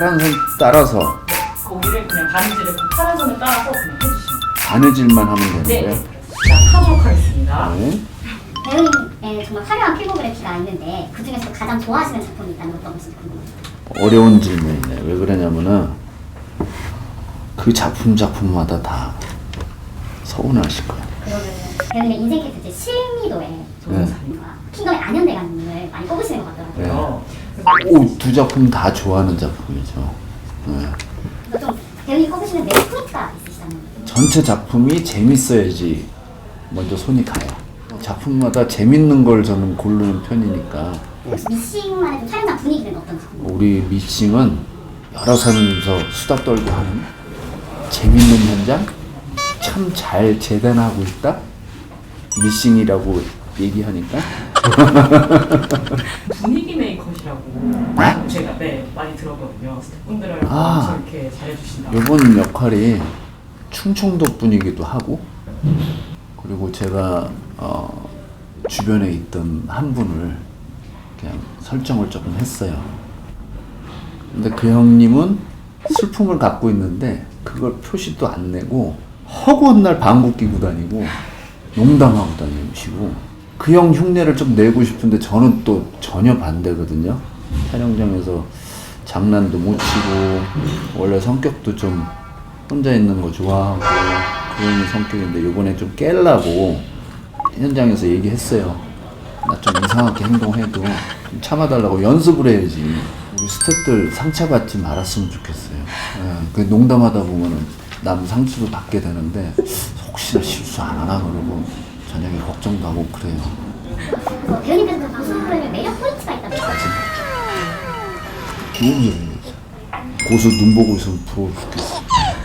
파란 선 따라서 거기를 그냥 바느질을 그 파란 선을 따라서 그냥 해주시면 돼요. 바느질만 하면 되는 네. 거예요? 시작하도록 하겠습니다. 네. 배우님의 정말 화려한 필모그래피가 있는데 그 중에서 가장 좋아하시는 작품이 있다면 어떤 것인지 궁금해요. 어려운 질문이네. 왜 그러냐면은 그 작품마다 다 서운하실 거예요. 그러면 배우님의 인생 캐릭터 실미도의 조종사님과 킹덤의 안현대감님을 많이 꼽으시는 것 같더라고요. 두 작품 다 좋아하는 작품이죠. 네. 그래서 좀 배우님 꼽으시는 매력 포인트가 있으시다면? 전체 작품이 재밌어야지 먼저 손이 가요. 작품마다 재밌는 걸 저는 고르는 편이니까. 혹시 미싱만의 좀 촬영장 분위기는 어떤지 궁금해요. 우리 미싱은 여러 사람이서 수다 떨고 하는 재밌는 현장? 참 잘 재단하고 있다? 미싱이라고 얘기하니까. 분위기 메이커시라고 제가 많이 들었거든요. 스태프분들을 아. 엄청 이렇게 잘해주신다. 이번 역할이 충청도 분이기도 하고, 그리고 제가 주변에 있던 한 분을 그냥 설정을 조금 했어요. 근데 그 형님은 슬픔을 갖고 있는데 그걸 표시도 안 내고 허구한 날 방구 끼고 다니고 농담하고 다니시고, 그 형 흉내를 좀 내고 싶은데 저는 또 전혀 반대거든요. 촬영장에서 장난도 못 치고 원래 성격도 좀 혼자 있는 거 좋아하고 그런 성격인데 이번에 좀 깨려고 현장에서 얘기했어요. 나 좀 이상하게 행동해도 좀 참아달라고 연습을 해야지. 우리 스태프들 상처받지 말았으면 좋겠어요. 그 농담하다 보면은 남 상처도 받게 되는데 혹시나 실수 안 하나 그러고 저녁에 걱정도 하고 그래요. 배우님께서 고수의 매력 포인트가 있다면? 좋은 소리죠. 고수 눈 보고 있으면 부러워 죽겠어.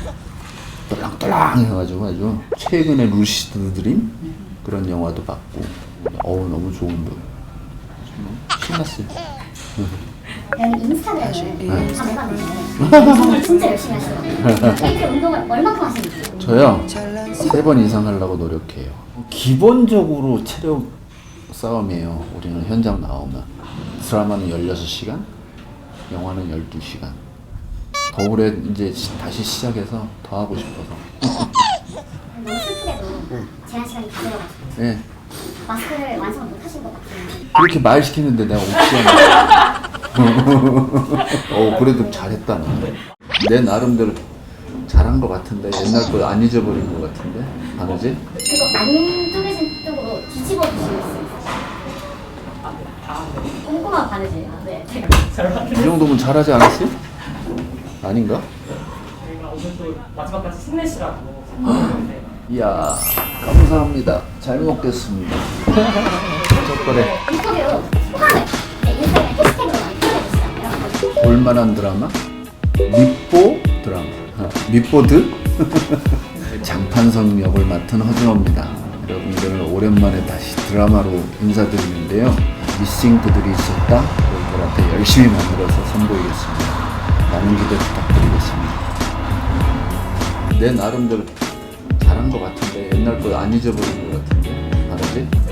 떨랑떨랑 해가지고 아주 최근에 루시드 드림 그런 영화도 봤고 너무 좋은데 신났어요. 배우님 인스타그램을 다 해봤는데 정말 진짜 열심히 하시더라고요. 일주일에 운동을 얼마큼 하시는지. 저요 3번 이상 하려고 노력해요. 기본적으로 체력 싸움이에요. 우리는 현장 나오면 드라마는 16시간, 영화는 12시간. 더 오래 이제 다시 시작해서 더 하고 싶어서. 너무 슬프게도 제한 시간이 다 되어가지고 네. 마스크를 완성을 못 하신 것 같아요. 그렇게 말 시키는데 내가 옥시하네. 그래도 잘했다 나. 내 나름대로 잘한 것 같은데 옛날 거 안 잊어버린 것 같은데 바느질? 그거 안 쪼개진 쪽으로 뒤집어 주실 수 있어요? 꼼꼼한 바느질. 네, 제가 이 정도면 잘하지 않았어요? 아닌가? 저희가 오늘 또 마지막까지 힘내시라고 생각했는데 이야 감사합니다. 잘 먹겠습니다. 젓가락. 인터뷰 소감을 인스타그램 해시태그로 많이 표현해주시잖아요. 볼만한 드라마? 밑보 드라마. 밑보드? 장판성 역을 맡은 허준호입니다. 여러분들 오랜만에 다시 드라마로 인사드리는데요. 미싱 그들이 있었다. 여러분들한테 열심히 만들어서 선보이겠습니다. 많은 기대 부탁드리겠습니다. 내 나름대로 잘한 것 같은데 옛날 거 안 잊어버린 것 같은데 알았지?